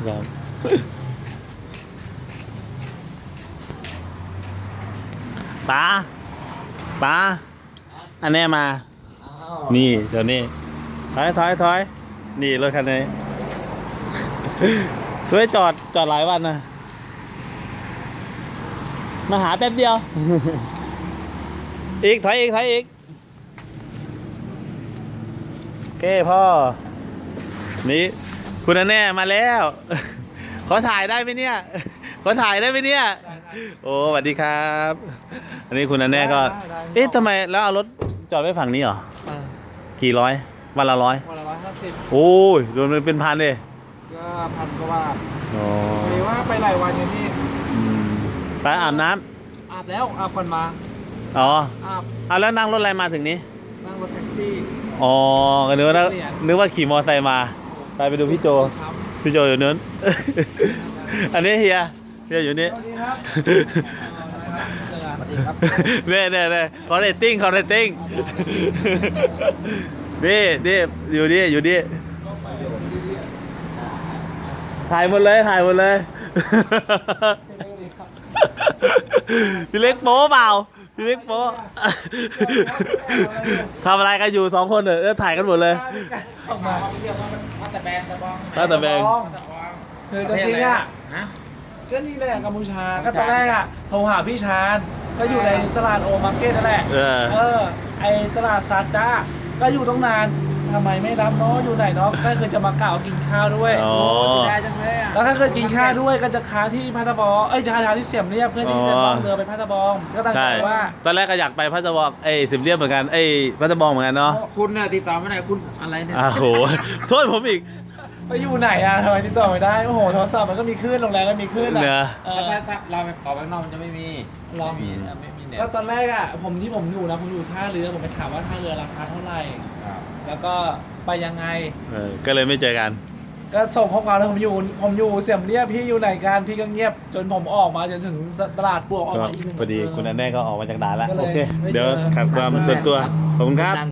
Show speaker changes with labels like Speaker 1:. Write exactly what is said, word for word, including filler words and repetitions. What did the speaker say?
Speaker 1: ครับป๋าป๋าอันนี้มา นี่เดี๋ยวนี้ถอยถอยถอยนี่รถคันนี้ช่วยจอดจอดหลายวันนะมาหาแป๊บเดียว อีกถอยอีกถอยอีกโอเคพ่อนี่คุณแน่มาแล้ว ขอถ่ายได้ไหมเนี่ย ขอถ่ายได้ไหมเนี่ยโอ้สวัสดีครับ อันนี้คุณแน่ก็เอ๊ะทำไมแล้วเอารถจอดไว้ฝั่งนี้เหรอกี่ร้อยวันละร้อย
Speaker 2: วันละร้อยห้าสิบ
Speaker 1: โอ้ยโดนเป็นพันเลย
Speaker 2: ก็พันกว่าบาท
Speaker 1: อ๋อ
Speaker 2: หรือว่าไปหลายวันอย่างนี้
Speaker 1: ไปอาบน้ำ
Speaker 2: อาบแล้วอาบก่อนมา
Speaker 1: อ๋อ
Speaker 2: อาบ
Speaker 1: เอาแล้วนั่งรถอะไรมาถึงนี้
Speaker 2: นั่งรถแท็กซี่
Speaker 1: อ๋อก็นึกว่านึกว่าขี่มอเตอร์ไซค์มาไปไปดูพี่โจ
Speaker 2: ช้
Speaker 1: พี่โจอยู่นู้น อันนี้เฮียเฮียอยู่นี่
Speaker 2: ำสวัสดีครับสวัสดีครับ
Speaker 1: เน่เน่เน่คอร์เรตติ้งคอร์เรตติ้งนี่นี่อยู่นี่อยู่นี่ถ่ายหมดเลยถ่ายหมดเลย พี่เล็กโป๊เปล่าพี่เล็กโป๊ทำอะไรกันอยู่สองคนเออถ่ายกันหมดเลย
Speaker 2: ออกมา
Speaker 3: พัตะแบงตะบอง
Speaker 1: ถ้าแต่แบง
Speaker 2: คือจริงๆอ่ะ
Speaker 3: ฮะ
Speaker 2: ก็นี่แหละกัมพูชาก็ตอนแรกอ่ะโทรหาพี่ชาญก็อยู่ในตลาดโอมาร์เก็ตนั่นแหละ
Speaker 1: เออ
Speaker 2: เออไอตลาดซาจ้าก็อยู่ต้องนานทำไมไม่รับเนาะอยู่ไหนเนาะก็คือจะมากล่าวกินข้าวด้วย
Speaker 1: อ๋อ
Speaker 3: เสียดายจังเลยอ่ะ
Speaker 2: แล้วถ้าเกิดกินข้าวด้วยก็จะค้างที่พัทบองเอ้ยจะค้างที่เสียมเรียบเพื่อที่จะล่องเรือไปพัทบองก็ตั้ง
Speaker 1: ใช่
Speaker 2: ใจว่า
Speaker 1: ตอนแรกก็อยากไปพัทบองเอ้ยสิบเรียบเหมือนกันเอ้ยพัทบองเหมือนกันเนาะ
Speaker 3: คุณเนี่ยติดต่อไม่ได้คุณอะไรเนี่ย
Speaker 1: อ้าวโห โทษผมอีก
Speaker 2: ไปอยู่ไหนอ่ะทำไมติดต่อไม่ได้โอ้โหโทรศัพท์มันก็มีคลื่นโรงแรมก็มีคลื่น
Speaker 1: เน
Speaker 2: อ่ะ
Speaker 1: อะ
Speaker 2: เออ
Speaker 3: ถ้าถ้าเราไปออกไปนอกมันจะไม่มี
Speaker 2: ลอง
Speaker 3: ไม่มีไม่มีเนี่ย
Speaker 2: ก็ตอนแรกอ่ะผมที่ผมอยู่นะผมอยู่ท่าเรือผมไปถามว่าท่าเรือราคาเท่าไหร่ แล้วก็ไปยังไง
Speaker 1: เออก็เลยไม่เจอกัน
Speaker 2: ก็ส่งข้อความแล้วผมอยู่ผมอยู่เสียมเรียบพี่อยู่ไหนกันพี่ก็เงียบจนผมออกมาจนถึงตลาดปลวกออก
Speaker 1: ก็
Speaker 2: มาอีกหนึ่ง
Speaker 1: พอดีคุณอันแน่ก็ออกมาจากด่านแล้ว
Speaker 2: ก็เลย
Speaker 1: โอเค
Speaker 2: ไม่เจอ
Speaker 1: เดี๋ยวขัดความส่วนตัวขอบคุณครับ